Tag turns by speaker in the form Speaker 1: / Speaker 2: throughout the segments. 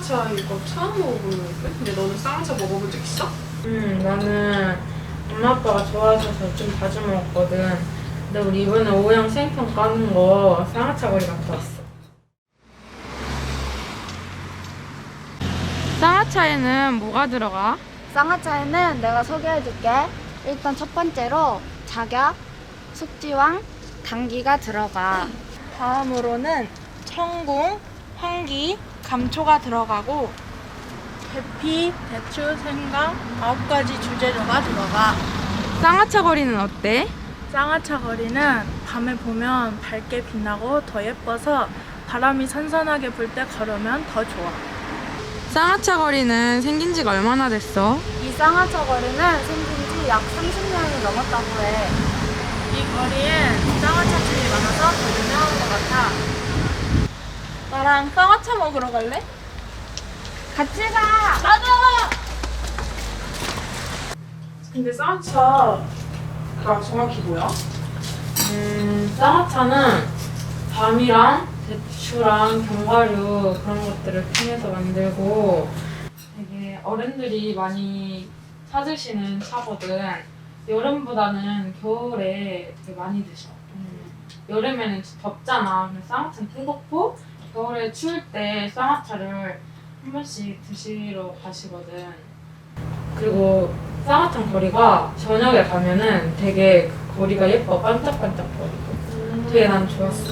Speaker 1: 쌍화차 이거 처음 먹어보는데? 근데 너는 쌍화차 먹어본 적 있어?
Speaker 2: 나는 엄마 아빠가 좋아하셔서 좀 자주 먹었거든. 근데 우리 이번에 오후양 생편 까는 거 쌍화차 거리 갔다 왔어. 쌍화차에는 뭐가 들어가?
Speaker 3: 쌍화차에는 내가 소개해줄게. 일단 첫 번째로 작약, 숙지황, 당귀가 들어가.
Speaker 4: 다음으로는 청궁, 황기, 감초가 들어가고 계피, 대추, 생강 9가지 주재료가 들어가.
Speaker 2: 쌍화차 거리는 어때?
Speaker 4: 쌍화차 거리는 밤에 보면 밝게 빛나고 더 예뻐서 바람이 선선하게 불 때 걸으면 더 좋아.
Speaker 2: 쌍화차 거리는 생긴 지가 얼마나 됐어?
Speaker 3: 이 쌍화차 거리는 생긴 지 약 30년이 넘었다고 해.
Speaker 4: 이 거리엔 쌍화차집이 많아서 더 유명한 것 같아. 나랑 쌍화차 먹으러 갈래?
Speaker 3: 같이 가!
Speaker 1: 근데 쌍화차가 정확히 뭐야?
Speaker 2: 쌍화차는 밤이랑 대추랑 견과류 그런 것들을 통해서 만들고 되게 어른들이 많이 찾으시는 차거든. 여름보다는 겨울에 되게 많이 드셔. 여름에는 덥잖아. 그래서 쌍화차는 뜨겁고 겨울에 추울 때 쌍화차를 한 번씩 드시러 가시거든. 그리고 쌍화차 거리가 저녁에 가면은 되게 그 거리가 예뻐. 반짝반짝거리고 되게 난 좋았어.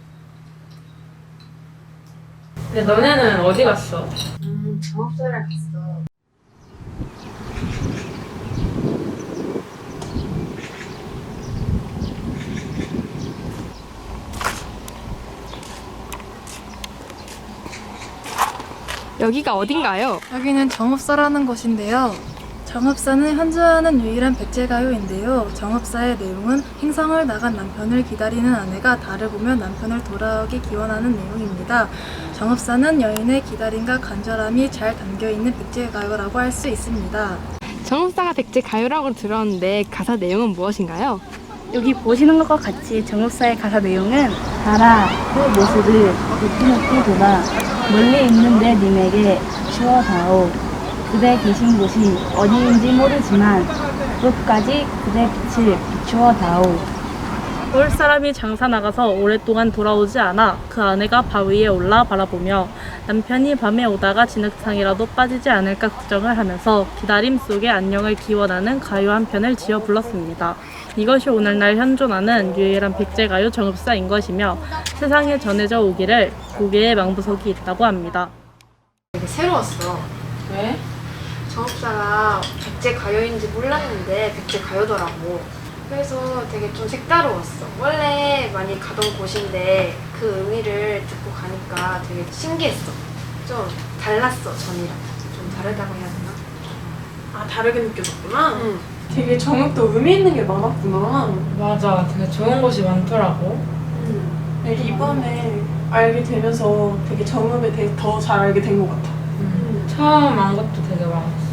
Speaker 2: 근데 너네는 어디 갔어?
Speaker 3: 정업소를 갔어.
Speaker 5: 여기가 어딘가요?
Speaker 4: 여기는 정읍사라는 곳인데요. 정읍사는 현존하는 유일한 백제가요인데요. 정읍사의 내용은 행성을 나간 남편을 기다리는 아내가 달을 보며 남편을 돌아오게 기원하는 내용입니다. 정읍사는 여인의 기다림과 간절함이 잘 담겨있는 백제가요라고 할 수 있습니다.
Speaker 5: 정읍사가 백제 가요라고 들었는데 가사 내용은 무엇인가요?
Speaker 6: 여기 보시는 것과 같이 정읍사의 가사 내용은 달아 그 모습을 높이 돌아 멀리 있는 내 님에게 비추어다오. 그대 계신 곳이 어디인지 모르지만 끝까지 그대 빛을 비추어다오.
Speaker 7: 올 사람이 장사 나가서 오랫동안 돌아오지 않아 그 아내가 바 위에 올라 바라보며 남편이 밤에 오다가 진흙탕이라도 빠지지 않을까 걱정을 하면서 기다림 속에 안녕을 기원하는 가요 한 편을 지어 불렀습니다. 이것이 오늘날 현존하는 유일한 백제가요 정읍사인 것이며 세상에 전해져 오기를 고개에 망부석이 있다고 합니다.
Speaker 3: 되게 새로웠어.
Speaker 2: 왜?
Speaker 3: 정업사가 백제 가요인지 몰랐는데 백제 가요더라고. 그래서 되게 좀 색다르웠어. 원래 많이 가던 곳인데 그 의미를 듣고 가니까 되게 신기했어. 좀 달랐어, 전이랑. 좀 다르다고 해야 되나?
Speaker 1: 아, 다르게 느껴졌구나?
Speaker 3: 응.
Speaker 1: 되게 정육도 의미 있는 게 많았구나.
Speaker 2: 맞아. 되게 좋은 곳이 많더라고.
Speaker 1: 되게 이번에 알게 되면서 되게 정읍에 대해 더 잘 알게 된 것 같아.
Speaker 2: 처음 안 것도 되게 많았어.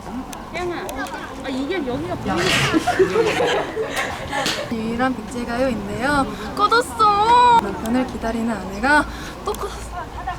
Speaker 4: 유일한 백제가요인데요. 꺼졌어. 남편을 기다리는 아내가 또 꺼졌어.